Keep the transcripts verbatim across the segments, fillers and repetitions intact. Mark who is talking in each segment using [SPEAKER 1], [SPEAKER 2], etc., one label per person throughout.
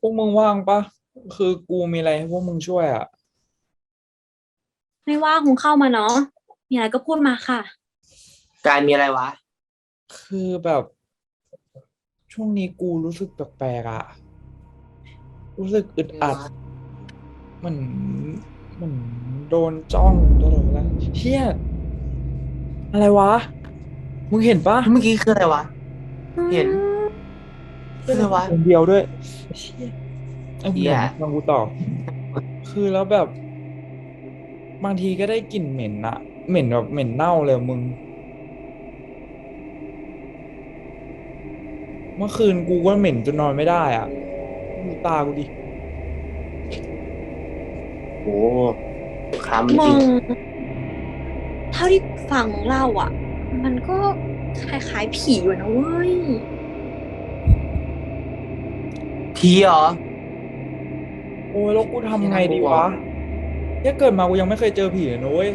[SPEAKER 1] พวกมึงว่างปะคือกูมีอะไรให้พวกมึงช่วยอ่ะ
[SPEAKER 2] ไม่ว่าคงเข้ามาเนาะมีอะไรก็พูดมาค่ะ
[SPEAKER 3] การมีอะไรวะ
[SPEAKER 1] คือแบบช่วงนี้กูรู้สึกแปลกๆอ่ะรู้สึกอึดอัด
[SPEAKER 3] อะไรวะ
[SPEAKER 1] เหมือนเหมือนโดนจ้องตลอดเวลาเฮียอะไรวะมึงเห็นปะ
[SPEAKER 3] เมื่อกี้คืออะไรวะ
[SPEAKER 2] อื
[SPEAKER 3] เห็น
[SPEAKER 2] ม
[SPEAKER 1] เฮีย
[SPEAKER 3] คืออะไรวะ
[SPEAKER 1] แล้วคนเดียวด้วยเฮียไอ้
[SPEAKER 3] เฮีย
[SPEAKER 1] เดี๋ยวมึงฟังกูต่อคือแล้วแบบบางทีก็ได้กลิ่นเหม็นอะเหม็นแบบเหม็นเน่าเลยมึงเมื่อคืนกูก็เหม็นจนนอนไม่ได้อ่ะดูตากูดิ
[SPEAKER 3] โอ้คล้ำจริง
[SPEAKER 2] มึงเท่าที่ฟังเล่าอ่ะมันก็คล้ายๆผีอยู่นะเว้ย
[SPEAKER 3] ผีเหรอ
[SPEAKER 1] โอ้ยแล้วกู
[SPEAKER 3] เฮีย
[SPEAKER 1] ทำไง
[SPEAKER 3] น่ากลัว
[SPEAKER 1] ดีวะเนี่ยเกิดมากูยังไม่เคยเจอผีเลยนะเว้ย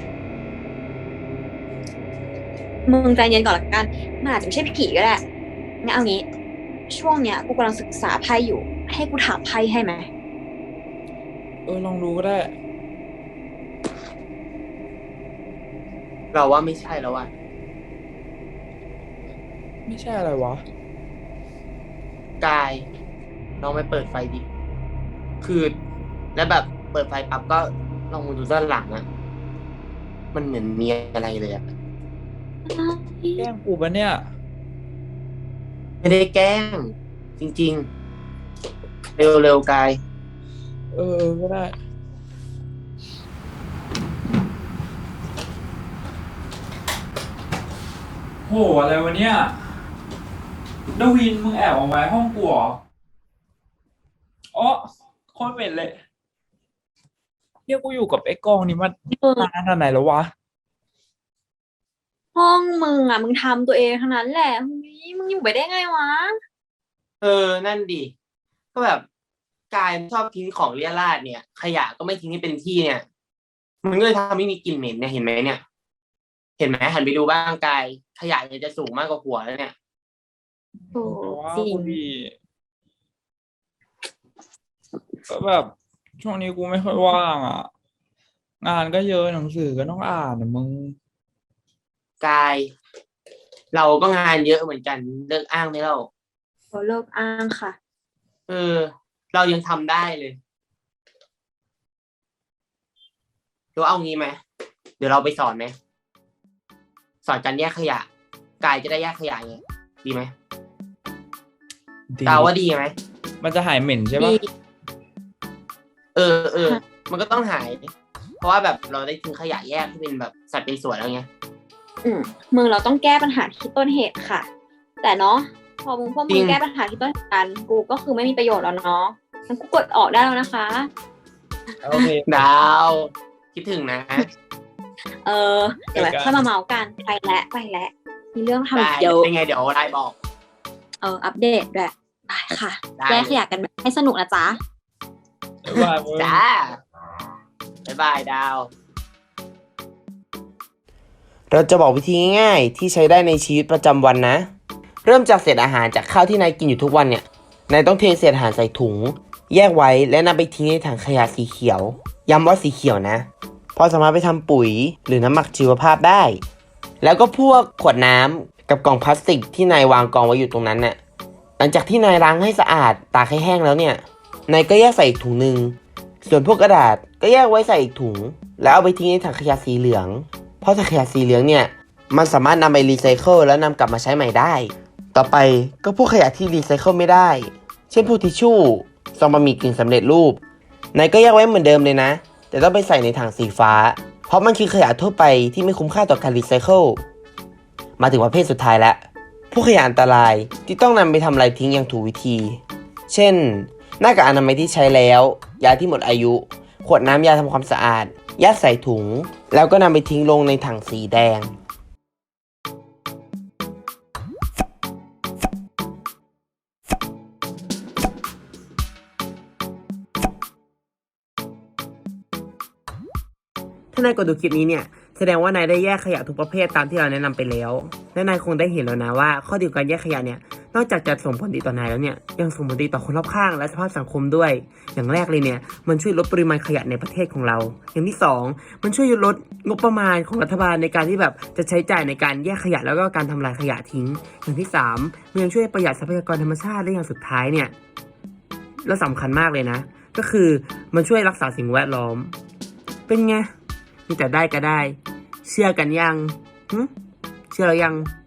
[SPEAKER 2] มึงใจเย็นก่อนละกันมันอาจจะไม่ใช่ผีก็ได้งั้นเอางี้ช่วงเนี้ยกูกำลังศึกษาไพ่อยู่ให้กูถามไพ่ให้ไหม
[SPEAKER 1] เออลองดูก็ได้
[SPEAKER 3] เราว่าไม่ใช่แล้วว่ะ
[SPEAKER 1] ไม่ใช่อะไรวะ
[SPEAKER 3] กายลองไปเปิดไฟดิคือแล้วแบบเปิดไฟปั๊บก็ลองมาดูด้านหลังอะมันเหมือนมีอะไรเลยอะ
[SPEAKER 1] แกล้งกูปะเนี่ย
[SPEAKER 3] ไม่ได้แกล้งจริงๆเร็วๆกาย
[SPEAKER 1] เออเออก็ได้โหอะไรวะเนี่ยดวินมึงแอบออกมาห้องกูเหรออ๋อโคตรเหม็นเลยเฮียกูอยู่กับไอ้กองนี่มัน
[SPEAKER 2] มึง
[SPEAKER 1] นานขนาดไหนแล้ววะ
[SPEAKER 2] ห้องมึงอ่ะมึงทำตัวเองทั้งนั้นแหละเฮ้ยมึงอยู่ไปได้ไงวะ
[SPEAKER 3] เออนั่นดิก็แบบกายชอบทิ้งของเรี่ยราดเนี่ยขยะก็ไม่ทิ้งให้เป็นที่เนี่ยมันก็เลยทำให้มีกลิ่นเหม็นเนี่ยเห็นไหมเนี่ย เห็นไหมหันไปดูบ้างกายขยะเนี่ยจะสูงมากกว่าหัวแล้วเนี่ย
[SPEAKER 2] โอ้
[SPEAKER 1] แต่ว่า
[SPEAKER 2] จริง
[SPEAKER 1] กูดีก็แบบช่วงนี้กูไม่ค่อยว่างอ่ะงานก็เยอะหนังสือก็ต้องอ่านนะมึง
[SPEAKER 3] กายเราก็งานเยอะเหมือนกันเลิกอ้างได้แล้ว
[SPEAKER 2] เขาเลิกอ้างค่ะ
[SPEAKER 3] เออเรายังทำได้เลยเดี๋ยวเอางี้ไหมเดี๋ยวเราไปสอนไหมสอนการแยกขยะกายจะได้แยกขยะไงดีไหม
[SPEAKER 1] ดี
[SPEAKER 3] กาวว่าดีไหม
[SPEAKER 1] มันจะหายเหม็นใช่
[SPEAKER 2] ดี
[SPEAKER 1] ปะ
[SPEAKER 3] เออเออมันก็ต้องหายเพราะว่าแบบเราได้ทิ้งขยะแยกที่เป็นแบบสัดเป็นส่วนแล้วไง
[SPEAKER 2] อืมมึงเราต้องแก้ปัญหาที่ต้นเหตุค่ะแต่เนาะพอมึงพวก
[SPEAKER 3] จริง
[SPEAKER 2] มึงแก้ปัญหาที่ต้นเหตุกันกูก็คือไม่มีประโยชน์แล้วเนาะงั้นกูกดออกได้แล้วนะคะ
[SPEAKER 1] โอเค
[SPEAKER 3] ดาวคิดถึงนะ
[SPEAKER 2] เออเดี๋ยวไว้ค่อยมาเมาส์กันไปแล้วไปแล้วมีเรื่องทำอี
[SPEAKER 3] ได้
[SPEAKER 2] กเยอะ
[SPEAKER 3] เป็นไงเดี๋ยวไลน์บอก
[SPEAKER 2] เอออัปเดตด้วยไปค่ะ
[SPEAKER 3] ได้
[SPEAKER 2] แก้
[SPEAKER 3] เลย
[SPEAKER 2] ขยะกันแบบให้สนุกนะจ๊ะ
[SPEAKER 1] บ๊ายบายมึง
[SPEAKER 3] จ้าบ๊ายบายดาวเราจะบอกวิธีง่ายๆที่ใช้ได้ในชีวิตประจำวันนะ เริ่มจากเศษอาหารจากข้าวที่นายกินอยู่ทุกวันเนี่ยนายต้องเทเศษอาหารใส่ถุงแยกไว้และนำไปทิ้งในถังขยะสีเขียวย้ำว่าสีเขียวนะเพราะสามารถไปทำปุ๋ยหรือน้ำหมักชีวภาพได้แล้วก็พวกขวดน้ำกับกล่องพลาสติกที่นายวางกองไว้อยู่ตรงนั้นน่ะหลังจากที่นายล้างให้สะอาดตากให้แห้งแล้วเนี่ยนายก็แยกใส่อีกถุงหนึ่งส่วนพวกกระดาษก็แยกไว้ใส่อีกถุงแล้วเอาไปทิ้งในถังขยะสีเหลืองเพราะถังขยะสีเหลืองเนี่ยมันสามารถนำไปรีไซเคิลแล้วนำกลับมาใช้ใหม่ได้ต่อไปก็พวกขยะที่รีไซเคิลไม่ได้เช่นพวกทิชชู่ซองบะหมี่กึ่งสำเร็จรูปนายก็แยกไว้เหมือนเดิมเลยนะแต่ต้องไปใส่ในถังสีฟ้าเพราะมันคือขยะทั่วไปที่ไม่คุ้มค่าต่อการรีไซเคิลมาถึงประเภทสุดท้ายแล้วพวกขยะอันตรายที่ต้องนำไปทำลายทิ้งอย่างถูกวิธีเช่นหน้ากากอนามัยที่ใช้แล้วยาที่หมดอายุขวดน้ำยาทำความสะอาดยัดใส่ถุงแล้วก็นำไปทิ้งลงในถังสีแดงถ้านายกดดูคลิปนี้เนี่ยแสดงว่านายได้แยกขยะทุกประเภทตามที่เราแนะนำไปแล้วและนายคงได้เห็นแล้วนะว่าข้อดีของการแยกขยะเนี่ยนอกจากจะส่งผลดีต่อนายแล้วเนี่ยยังส่งผลดีต่อคนรอบข้างและสภาพสังคมด้วยอย่างแรกเลยเนี่ยมันช่วยลดปริมาณขยะในประเทศของเราอย่างที่สองมันช่วยลดงบประมาณของรัฐบาลในการที่แบบจะใช้จ่ายในการแยกขยะแล้วก็การทำลายขยะทิ้งอย่างที่สามมันยังช่วยประหยัดทรัพยากรธรรมชาติและอย่างสุดท้ายเนี่ยและสำคัญมากเลยนะก็คือมันช่วยรักษาสิ่งแวดล้อมเป็นไงมีแต่ได้ก็ได้เชื่อกันยังหึเชื่อแล้วยัง